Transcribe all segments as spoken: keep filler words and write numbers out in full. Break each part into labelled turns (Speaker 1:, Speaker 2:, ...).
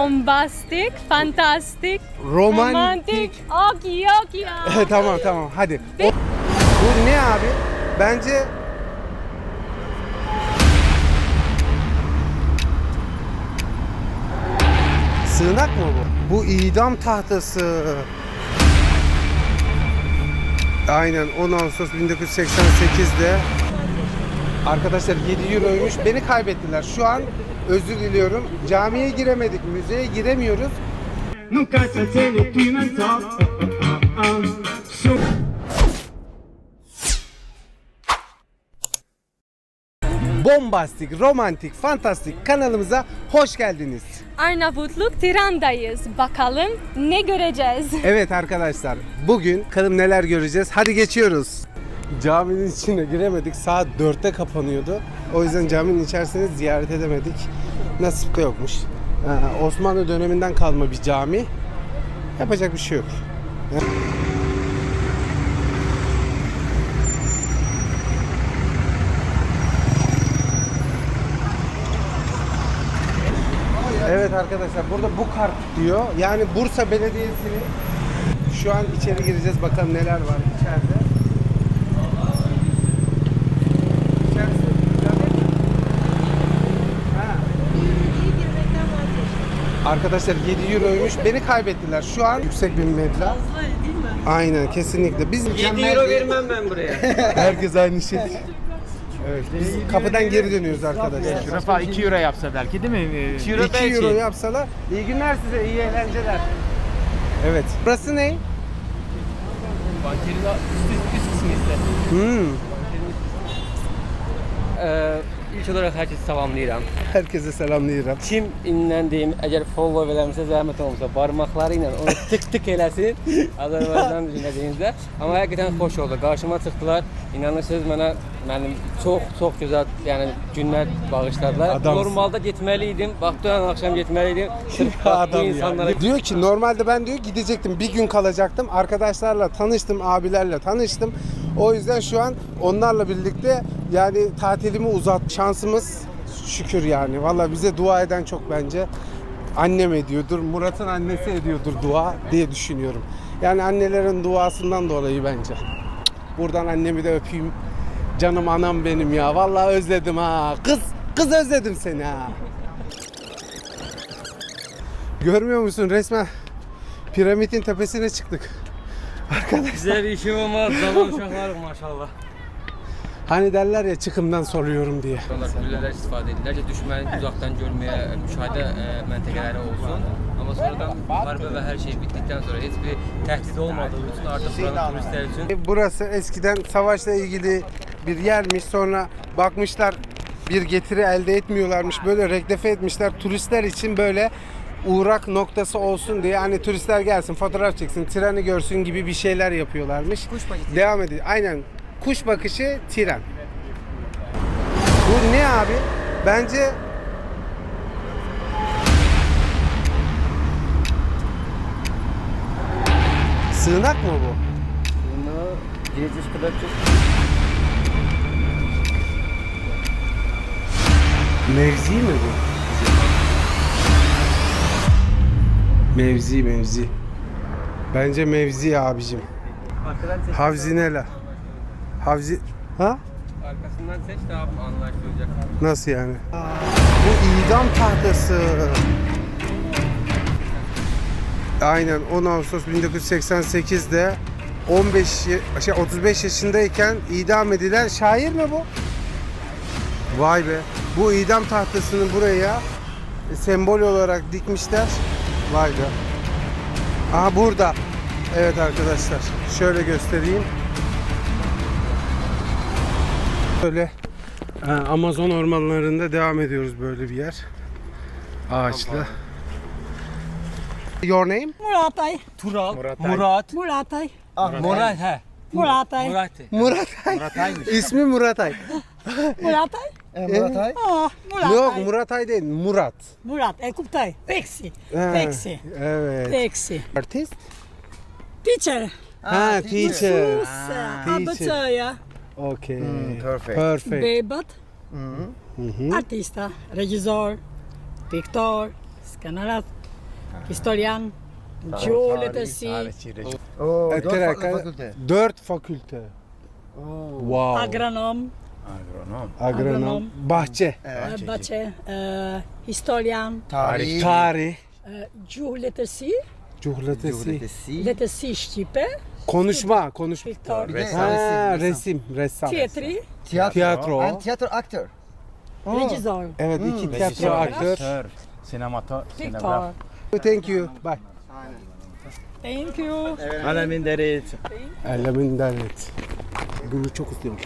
Speaker 1: bombastik, fantastik,
Speaker 2: Romantik.
Speaker 1: romantik. Ok yok ya.
Speaker 2: Tamam tamam hadi. O- Bu ne abi? Bence sığınak mı bu? Bu idam tahtası. Aynen on Ağustos bin dokuz yüz seksen sekiz'de. Arkadaşlar yedi euroymuş. Beni kaybettiler. Şu an özür diliyorum. Camiye giremedik, müzeye giremiyoruz.
Speaker 3: Nunca se tiene clima en top. So
Speaker 2: Bombastik, romantik, fantastik kanalımıza hoş geldiniz.
Speaker 1: Arnavutluk Tiran'dayız. Bakalım ne göreceğiz?
Speaker 2: Evet arkadaşlar, bugün bakalım neler göreceğiz. Hadi geçiyoruz. Caminin içine giremedik. Saat dörtte kapanıyordu. O yüzden caminin içerisini ziyaret edemedik. Nasip de yokmuş. Ee, Osmanlı döneminden kalma bir cami. Yapacak bir şey yok. Evet arkadaşlar, burada bu kart diyor. Yani Bursa Belediyesi'nin, şu an içeri gireceğiz, bakalım neler var içeride. İçerisi güzel değil mi? Ha. Arkadaşlar yedi euroymuş. Beni kaybettiler. Şu an yüksek bir meblağ. Aynen, kesinlikle. Biz
Speaker 4: yedi euro vermem ben buraya.
Speaker 2: Herkes aynı şey. Evet, biz kapıdan geri dönüyoruz arkadaşlar.
Speaker 5: Rafa iki euro yapsa belki değil mi?
Speaker 4: iki euro
Speaker 2: iki
Speaker 4: belki.
Speaker 2: euro yapsalar. İyi günler size, iyi eğlenceler. Evet. Burası ne?
Speaker 4: Bankerin üst, üst kısmı işte.
Speaker 2: Hmm.
Speaker 4: Ee, ilk olarak herkesi tamamlayıram.
Speaker 2: Herkese selamlayırım.
Speaker 4: Kim indən deyim, əgər follow eləmirsə zəhmət olmasa barmaqları ilə onu tık tık eləsin Azərbaycan dinlədiyinizdə. Amma həqiqətən xoş oldu. Qarşıma çıxdılar. İnanırsınız mənə mənim çox çox gözəl yəni günlər bağışladılar.
Speaker 2: Adamsın.
Speaker 4: Normalda getməli idim. Bax dünən axşam getməli idim. Sırf bax bu insanlara
Speaker 2: ya. Diyor ki normalde ben diyor gidecektim, bir gün kalacaktım. Arkadaşlarla tanıştım, abilerle tanıştım. O yüzden şu an onlarla birlikte yani tatilimi uzat. Şansımız şükür yani. Vallahi bize dua eden çok bence. Annem ediyordur, Murat'ın annesi ediyordur dua diye düşünüyorum. Yani annelerin duasından dolayı bence. Buradan annemi de öpeyim. Canım anam benim ya. Vallahi özledim ha. Kız, kız özledim seni ha. Görmüyor musun? Resmen piramidin tepesine çıktık. Arkadaşlar.
Speaker 4: Güzel işim olmaz. Zaman uşaqlarıq maşallah.
Speaker 2: Hani derler ya çıkımdan soruyorum diye.
Speaker 4: Onlar güllələr istifadə edirlər ki, düşməni uzaqdan görməyə, müşahidə ə, məntəqələri olsun. Amma sonradan müharibə və hər şey bitdikdən sonra heç bir təhdid olmadığı üçün artıq buranın turistlər üçün
Speaker 2: Burası eskiden savaşla ilgili bir yermiş. Sonra bakmışlar bir getiri elde etmiyorlarmış. Böyle reklefe etmişler. Turistler için böyle uğrak noktası olsun diye, hani turistler gelsin, fotoğraf çeksin, treni görsün gibi bir şeyler yapıyorlarmış.
Speaker 4: Kuş bakışı.
Speaker 2: Devam ediyor. Aynen. Kuş bakışı tren. Bu ne abi? Bence sığınak mı bu?
Speaker 4: bunu giriş kadar çok
Speaker 2: Mevzi mi bu? Mevzi mevzi. Bence mevzi abicim.
Speaker 4: arkadan seç.
Speaker 2: Havzinela. Havzi... Ha?
Speaker 4: Arkasından seç daha anlaşılacak.
Speaker 2: Nasıl yani? Bu idam tahtası. Aynen on Ağustos bin dokuz yüz seksen sekiz'de on beş ye- şey otuz beş yaşındayken idam edilen şair mi bu? Vay be. Bu idam tahtasını buraya sembol olarak dikmişler. Vay be. Aha burada. Evet arkadaşlar. Şöyle göstereyim. Böyle e, Amazon ormanlarında devam ediyoruz, böyle bir yer. Ağaçlı. Your name?
Speaker 6: Muratay.
Speaker 4: Tural, Murat,
Speaker 6: Muratay.
Speaker 4: Murat he.
Speaker 6: Muratay.
Speaker 4: Murat.
Speaker 2: Muratay. İsmi Muratay.
Speaker 6: Muratay.
Speaker 2: Muratay?
Speaker 6: Ah, Muratay.
Speaker 2: Yok, Muratay değil, Murat.
Speaker 6: Murat. E kuptay. Peksi.
Speaker 2: Ha,
Speaker 6: Peksi.
Speaker 2: Evet.
Speaker 6: Peksi.
Speaker 2: Artist?
Speaker 6: Teacher.
Speaker 2: Ha, teacher.
Speaker 6: Sus.
Speaker 2: teacher.
Speaker 6: Abacaya.
Speaker 2: Okay.
Speaker 5: perfect.
Speaker 2: Perfect.
Speaker 6: Bebat.
Speaker 2: Hı hı.
Speaker 6: Artista. Regizor. Pictor. Scannerat. Historian. Geology.
Speaker 5: Oo,
Speaker 2: E,
Speaker 5: dört
Speaker 2: Tira-
Speaker 5: farklı fakülte.
Speaker 2: Dört fakülte. Wow.
Speaker 6: Agronom.
Speaker 5: Agronom.
Speaker 2: Agronom.
Speaker 6: Agronom.
Speaker 2: Bahçe.
Speaker 5: Evet.
Speaker 6: eh, Bache. eh, Historian.
Speaker 5: Tarih.
Speaker 2: Tarih.
Speaker 6: eh, Geology.
Speaker 2: Cuhlatesi.
Speaker 5: Geodesi.
Speaker 6: Letesi Şipe.
Speaker 2: Konuşma. Konuş.
Speaker 6: Victor.
Speaker 5: Bir de-
Speaker 2: Ha, resim. Ressam.
Speaker 6: Tiyatri.
Speaker 5: Tiyatro.
Speaker 2: Tiyatro.
Speaker 5: And tiyatro aktör.
Speaker 6: Regizor.
Speaker 2: Evet, iki tiyatro
Speaker 5: Rejisör.
Speaker 2: aktör.
Speaker 5: Sinematör.
Speaker 6: Victor.
Speaker 2: Thank you. Bye.
Speaker 6: Thank you.
Speaker 5: Faleminderit.
Speaker 2: Ellemin devlet. Bunu çok istiyorum.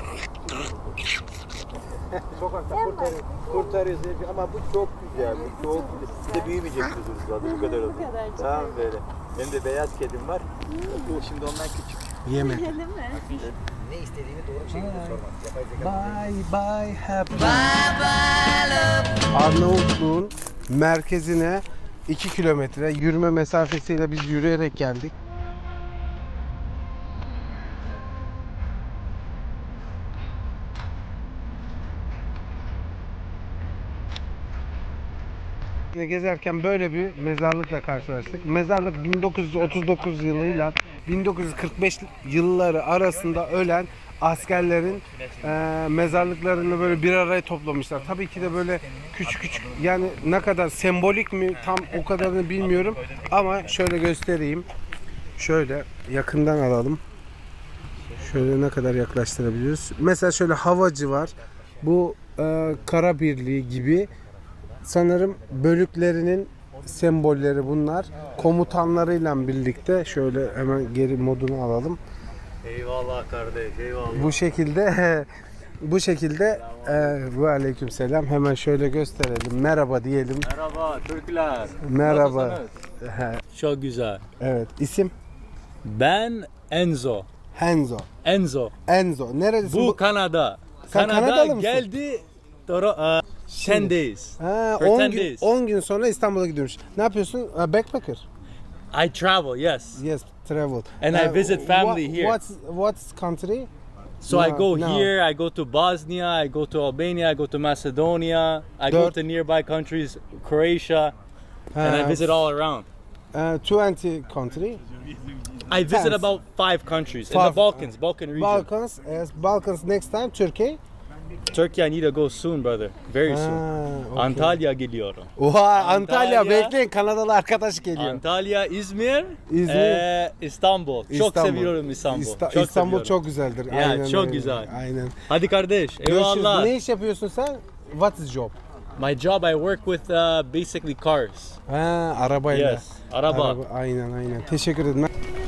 Speaker 7: Kurtarıyoruz ama bu çok güzel, bu çok güzel. Bir de büyümeyecek kuzunuz zaten bu kadar oldu. Tamam böyle. Benim de beyaz kedim var. Bu şimdi ondan küçük.
Speaker 2: Yeme.
Speaker 5: Ne istediğini doğru bir şekilde sormak.
Speaker 2: Bye bye happy. Bye bye Arnavutluğun merkezine iki kilometre yürüme mesafesiyle biz yürüyerek geldik. Gezerken böyle bir mezarlıkla karşılaştık. Mezarlık bin dokuz yüz otuz dokuz yılıyla bin dokuz yüz kırk beş yılları arasında ölen askerlerin e, mezarlıklarını böyle bir araya toplamışlar. Tabii ki de böyle küçük küçük, yani ne kadar sembolik mi tam o kadarını bilmiyorum ama şöyle göstereyim. Şöyle yakından alalım. Şöyle ne kadar yaklaştırabiliyoruz. Mesela şöyle havacı var. Bu e, kara birliği gibi. Sanırım bölüklerinin sembolleri bunlar. Komutanlarıyla birlikte şöyle hemen geri modunu alalım.
Speaker 7: Eyvallah kardeş, eyvallah.
Speaker 2: Bu şekilde bu şekilde e, ve aleykümselam, hemen şöyle gösterelim. Merhaba diyelim.
Speaker 7: Merhaba Türkler.
Speaker 2: Merhaba.
Speaker 8: Çok güzel.
Speaker 2: Evet. İsim
Speaker 8: Ben Enzo.
Speaker 2: Enzo.
Speaker 8: Enzo.
Speaker 2: Enzo. Nerelisin?
Speaker 8: Bu Kanada.
Speaker 2: Sen
Speaker 8: Kanada
Speaker 2: Kanadalı mısın?
Speaker 8: geldi. Toro, uh, ten days.
Speaker 2: Ha,
Speaker 8: For
Speaker 2: on
Speaker 8: ten
Speaker 2: gün,
Speaker 8: days.
Speaker 2: on gün sonra İstanbul'a gidiyormuş. Ne yapıyorsun? Uh, backpacker.
Speaker 8: I travel, yes.
Speaker 2: Yes, travel.
Speaker 8: And I visit family
Speaker 2: what,
Speaker 8: here.
Speaker 2: What's what's country?
Speaker 8: So I
Speaker 2: No,
Speaker 8: go
Speaker 2: no.
Speaker 8: here, I go to Bosnia, I go to Albania, I go to Macedonia, I go
Speaker 2: Dört-
Speaker 8: to nearby countries, Croatia, and I
Speaker 2: Ha,
Speaker 8: visit all around.
Speaker 2: Uh, twenty country.
Speaker 8: I visit
Speaker 2: Thanks.
Speaker 8: about five countries in
Speaker 2: Five.
Speaker 8: the Balkans, Balkan region.
Speaker 2: Balkans. Yes, Balkans next time Turkey.
Speaker 8: Turkey, I need to go soon, brother. Very soon.
Speaker 2: Ha, okay.
Speaker 8: Antalya geliyorum.
Speaker 2: Oha, Antalya,
Speaker 8: Antalya.
Speaker 2: bekleyin, Kanadalı arkadaş geliyor.
Speaker 8: Antalya, İzmir,
Speaker 2: İzmir.
Speaker 8: eee, İstanbul. Çok
Speaker 2: İstanbul.
Speaker 8: seviyorum İstanbul.
Speaker 2: İsta-
Speaker 8: çok
Speaker 2: İstanbul
Speaker 8: seviyorum.
Speaker 2: çok güzeldir.
Speaker 8: Ya,
Speaker 2: Aynen
Speaker 8: çok
Speaker 2: öyle.
Speaker 8: güzel.
Speaker 2: Aynen.
Speaker 8: Hadi kardeş,
Speaker 2: Görüşürüz.
Speaker 8: eyvallah.
Speaker 2: Ne iş yapıyorsun sen? What is job?
Speaker 8: My job, I work with uh, basically cars.
Speaker 2: Ha, arabayla.
Speaker 8: Yes, araba.
Speaker 2: Aynen aynen. Teşekkür ederim.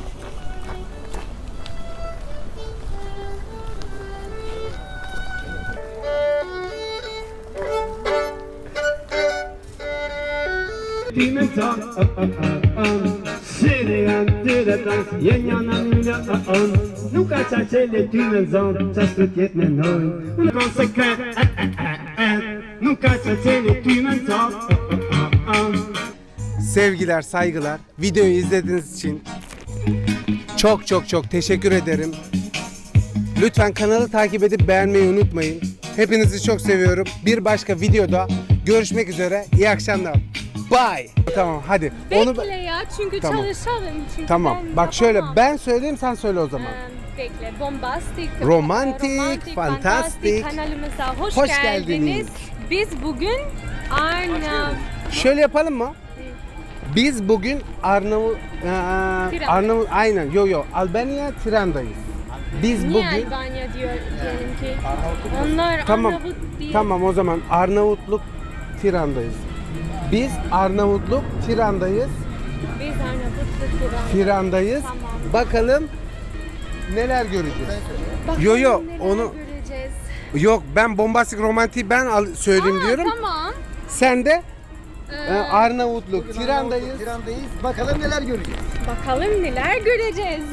Speaker 3: Tu me tas, oh, oh, oh, oh. Syrien, du det dans, gängarna mina, oh, oh. Nu kaçar çeli tümen zon, çastut yetme noy. Nu konsekvent, eh, eh, eh, eh. Nu kaçar çeli tümen zon, oh, oh, oh, oh.
Speaker 2: Sevgiler, saygılar. Videoyu izlediğiniz için çok çok çok teşekkür ederim. Lütfen kanalı takip edip beğenmeyi unutmayın. Hepinizi çok seviyorum. Bir başka videoda görüşmek üzere. İyi akşamlar. Bye. Tamam hadi. Onu
Speaker 1: Bekle ya çünkü
Speaker 2: Tamam.
Speaker 1: çalışalım. Çünkü
Speaker 2: Tamam.
Speaker 1: ben
Speaker 2: Bak şöyle
Speaker 1: yapamam.
Speaker 2: ben söyleyeyim, sen söyle o zaman.
Speaker 1: Ee, Bekle. Bombastik.
Speaker 2: Romantik, fantastik.
Speaker 1: Kanalımıza hoş,
Speaker 2: Hoş
Speaker 1: geldiniz.
Speaker 2: geldiniz.
Speaker 1: Biz bugün Arnav...
Speaker 2: Şöyle yapalım mı? Biz bugün Arnavut Arnavut aynen yo yo Albanya Tiran'dayız. Biz
Speaker 1: Niye
Speaker 2: bugün
Speaker 1: Albanya diyor diyelim ki? Onlar
Speaker 2: Tamam.
Speaker 1: Arnavut değil.
Speaker 2: Tamam o zaman Arnavutluk Tiran'dayız. Biz Arnavutluk Tiran'dayız.
Speaker 1: Biz Arnavutluk Tiran.
Speaker 2: Tiran'dayız.
Speaker 1: Tamam.
Speaker 2: Bakalım neler göreceğiz.
Speaker 1: Bakalım
Speaker 2: Yo, yo,
Speaker 1: neler
Speaker 2: onu-
Speaker 1: göreceğiz.
Speaker 2: Yok ben bombastik romantik ben al- söyleyeyim
Speaker 1: Aa,
Speaker 2: diyorum.
Speaker 1: Tamam.
Speaker 2: Sen de
Speaker 1: Ee,
Speaker 2: e, Arnavutluk Tiran'dayız.
Speaker 5: Tiran'dayız. Bakalım neler göreceğiz.
Speaker 1: bakalım neler göreceğiz.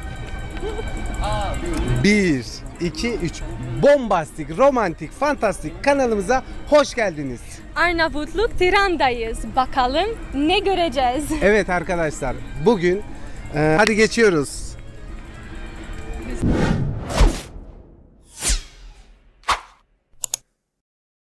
Speaker 2: Bir, iki, üç. Bombastik, romantik, fantastik kanalımıza hoş geldiniz.
Speaker 1: Arnavutluk Tiran'dayız. Bakalım ne göreceğiz.
Speaker 2: Evet arkadaşlar bugün e, hadi geçiyoruz.